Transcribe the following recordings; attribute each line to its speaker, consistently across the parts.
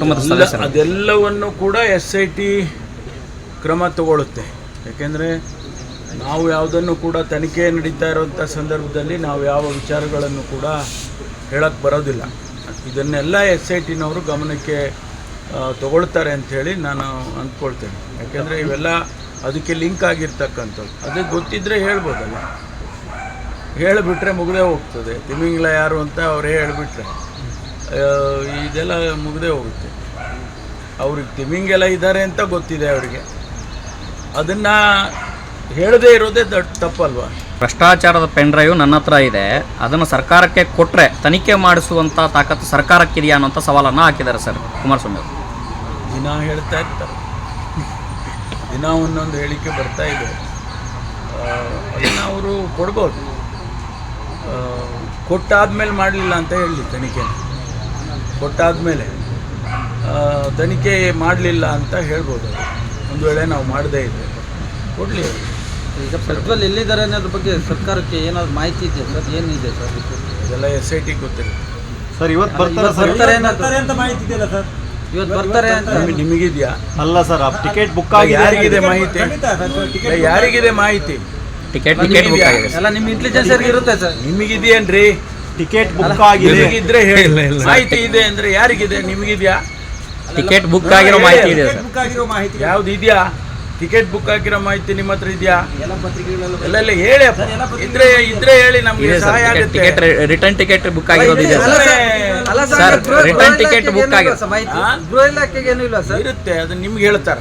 Speaker 1: ಕುಟುಂಬದ ಸದಸ್ಯರು.
Speaker 2: ಅದೆಲ್ಲವನ್ನು ಕೂಡ SIT ಕ್ರಮ ತಗೊಳ್ಳುತ್ತೆ. ಯಾಕೆಂದರೆ ನಾವು ಯಾವುದನ್ನು ಕೂಡ ತನಿಖೆ ನಡೀತಾ ಇರೋಂಥ ಸಂದರ್ಭದಲ್ಲಿ ನಾವು ಯಾವ ವಿಚಾರಗಳನ್ನು ಕೂಡ ಹೇಳಕ್ಕೆ ಬರೋದಿಲ್ಲ. ಇದನ್ನೆಲ್ಲ SITನವರು ಗಮನಕ್ಕೆ ತಗೊಳ್ತಾರೆ ಅಂಥೇಳಿ ನಾನು ಅಂದ್ಕೊಳ್ತೇನೆ. ಯಾಕೆಂದರೆ ಇವೆಲ್ಲ ಅದಕ್ಕೆ ಲಿಂಕ್ ಆಗಿರ್ತಕ್ಕಂಥದ್ದು. ಅದಕ್ಕೆ ಗೊತ್ತಿದ್ದರೆ ಹೇಳ್ಬೋದಲ್ಲ, ಹೇಳಿಬಿಟ್ರೆ ಮುಗದೇ ಹೋಗ್ತದೆ. ತಿಮಿಂಗ್ಲ ಯಾರು ಅಂತ ಅವರೇ ಹೇಳಿಬಿಟ್ರೆ ಇದೆಲ್ಲ ಮುಗದೇ ಹೋಗುತ್ತೆ. ಅವ್ರಿಗೆ ತಿಮಿಂಗೆಲ್ಲ ಇದ್ದಾರೆ ಅಂತ ಗೊತ್ತಿದೆ ಅವರಿಗೆ, ಅದನ್ನು ಹೇಳದೇ ಇರೋದೇ ತಪ್ಪಲ್ವಾ?
Speaker 1: ಭ್ರಷ್ಟಾಚಾರದ ಪೆನ್ ಡ್ರೈವ್ ನನ್ನ ಹತ್ರ ಇದೆ, ಅದನ್ನು ಸರ್ಕಾರಕ್ಕೆ ಕೊಟ್ಟರೆ ತನಿಖೆ ಮಾಡಿಸುವಂಥ ತಾಕತ್ತು ಸರ್ಕಾರಕ್ಕಿದೆಯಾ ಅನ್ನೋಂಥ ಸವಾಲನ್ನು ಹಾಕಿದ್ದಾರೆ ಸರ್ ಕುಮಾರಸ್ವಾಮಿ ಅವರು.
Speaker 2: ದಿನ ಹೇಳ್ತಾ ಇರ್ತಾರೆ, ದಿನ ಒಂದೊಂದು ಹೇಳಿಕೆ ಬರ್ತಾ ಇದೆ. ಅದನ್ನು ಅವರು ಕೊಡ್ಬೋದು. ಕೊಟ್ಟಾದ್ಮೇಲೆ ಮಾಡಲಿಲ್ಲ ಅಂತ ಹೇಳಿ ತನಿಖೆ, ಕೊಟ್ಟಾದಮೇಲೆ ತನಿಖೆ ಮಾಡಲಿಲ್ಲ ಅಂತ ಹೇಳ್ಬೋದು. ಒಂದು ವೇಳೆ ನಾವು ಮಾಡದೇ ಇದ್ದರೆ ಕೊಡಲಿ.
Speaker 3: ಈಗ ಪ್ರಜ್ವಲ್ ಎಲ್ಲಿದ್ದಾರೆ ಅನ್ನೋದ್ರ ಬಗ್ಗೆ ಸರ್ಕಾರಕ್ಕೆ ಏನಾದ್ರು ಮಾಹಿತಿ ಇದೆ ಸರ್? ಏನಿದೆ ಸರ್
Speaker 2: ಅದೆಲ್ಲ SIT ಗೊತ್ತಿರುತ್ತೆ
Speaker 4: ಸರ್. ಇವತ್ತು
Speaker 3: ಬರ್ತಾರೆ ಅಂತ ಮಾಹಿತಿ ಇದೆಯಲ್ಲ ಸರ್? ಇವತ್ತು ಬರ್ತಾರೆ ಅಂತ
Speaker 2: ನಿಮಗಿದೆಯಾ?
Speaker 4: ಅಲ್ಲ ಸರ್, ಟಿಕೆಟ್ ಬುಕ್ ಆಗಿದೆ.
Speaker 2: ಯಾರಿಗಿದೆ ಮಾಹಿತಿ? ಯಾರಿಗಿದೆ ಮಾಹಿತಿ?
Speaker 1: ಟಿಕೆಟ್ ಬುಕ್ ಆಗಿದೆ
Speaker 3: ಎಲ್ಲ ನಿಮ್ಮ ಇಂಟೆಲಿಜೆನ್ಸ್ ಇರುತ್ತೆ ಸರ್.
Speaker 2: ನಿಮಗಿದೆಯೇನ್ರಿ?
Speaker 4: ಟಿಕೆಟ್ ಬುಕ್ ಆಗಿದೆ.
Speaker 2: ನಿಮಗಿದ್ರೆ ಹೇಳಿ. ಮಾಹಿತಿ ಇದೆ ಅಂದರೆ ಯಾರಿಗಿದೆ? ನಿಮಗಿದೆಯಾ?
Speaker 1: ಟಿಕೆಟ್ ಬುಕ್ ಆಗಿರೋ ಮಾಹಿತಿ ಇದೆ ಸರ್.
Speaker 2: ಯಾವ್ದು ಇದೆಯಾ? ಟಿಕೆಟ್ ಬುಕ್ ಆಗಿರೋ ಮಾಹಿತಿ ನಿಮ್ಮ ಹತ್ರ ಇದೆಯಾ? ಎಲ್ಲ ಹೇಳಿ. ಇದ್ರೆ ಹೇಳಿ, ನಮಗೆ ಸಹಾಯ ಆಗುತ್ತೆ.
Speaker 1: ಟಿಕೆಟ್ ರಿಟರ್ನ್ ಟಿಕೆಟ್ ಬುಕ್ ಆಗಿರೋದು ಇದೆ ಸರ್. ರಿಟರ್ನ್ ಟಿಕೆಟ್ ಬುಕ್ ಆಗಿರೋ
Speaker 3: ಗೃಹ ಇಲಾಖೆಗೆ ಏನೂ ಇಲ್ಲ ಸರ್.
Speaker 2: ಇರುತ್ತೆ, ಅದು ನಿಮ್ಗೆ ಹೇಳ್ತಾರ?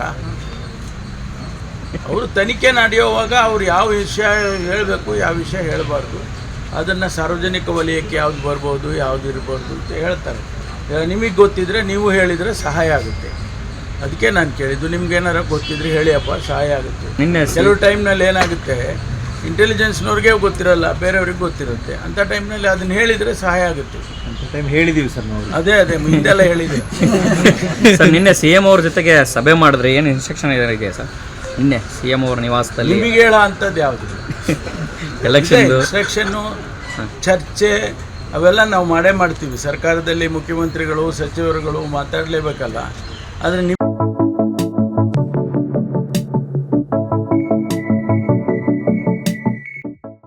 Speaker 2: ಅವರು ತನಿಖೆ ನಡೆಯುವಾಗ ಅವ್ರು ಯಾವ ವಿಷಯ ಹೇಳಬೇಕು, ಯಾವ ವಿಷಯ ಹೇಳಬಾರ್ದು, ಅದನ್ನು ಸಾರ್ವಜನಿಕ ವಲಯಕ್ಕೆ ಯಾವ್ದು ಬರ್ಬೋದು, ಯಾವ್ದು ಇರ್ಬೋದು ಅಂತ ಹೇಳ್ತಾರೆ. ನಿಮಗೆ ಗೊತ್ತಿದ್ರೆ ನೀವು ಹೇಳಿದರೆ ಸಹಾಯ ಆಗುತ್ತೆ. ಅದಕ್ಕೆ ನಾನು ಕೇಳಿದ್ದು, ನಿಮ್ಗೇನಾರ ಗೊತ್ತಿದ್ರೆ ಹೇಳಿಯಪ್ಪ, ಸಹಾಯ ಆಗುತ್ತೆ. ಕೆಲವು ಟೈಮ್ನಲ್ಲಿ ಏನಾಗುತ್ತೆ, ಇಂಟೆಲಿಜೆನ್ಸ್ನವ್ರಿಗೆ ಗೊತ್ತಿರಲ್ಲ, ಬೇರೆಯವ್ರಿಗೆ ಗೊತ್ತಿರುತ್ತೆ. ಅಂಥ ಟೈಮ್ನಲ್ಲಿ ಅದನ್ನು ಹೇಳಿದರೆ ಸಹಾಯ ಆಗುತ್ತೆ.
Speaker 4: ಟೈಮ್ ಹೇಳಿದ್ದೀವಿ ಸರ್ ನಾವು.
Speaker 2: ಅದೇ ಮುಂದೆಲ್ಲ ಹೇಳಿದೆ
Speaker 1: ಸರ್. ನಿನ್ನೆ CM ಅವ್ರ ಜೊತೆಗೆ ಸಭೆ ಮಾಡಿದ್ರೆ ಏನು ಇನ್ಸ್ಟ್ರಕ್ಷನ್ ಇದೆ ಸರ್? ನಿನ್ನೆ CM ಅವ್ರ ನಿವಾಸದಲ್ಲಿ
Speaker 2: ನಿಮಗೆ ಹೇಳೋ ಅಂಥದ್ದು ಯಾವುದು? ಇನ್ಸ್ಟ್ರಕ್ಷನ್ನು, ಚರ್ಚೆ ಅವೆಲ್ಲ ನಾವು ಮಾಡೇ ಮಾಡ್ತೀವಿ. ಸರ್ಕಾರದಲ್ಲಿ ಮುಖ್ಯಮಂತ್ರಿಗಳು, ಸಚಿವರುಗಳು ಮಾತಾಡಲೇಬೇಕಲ್ಲ. ಆದರೆ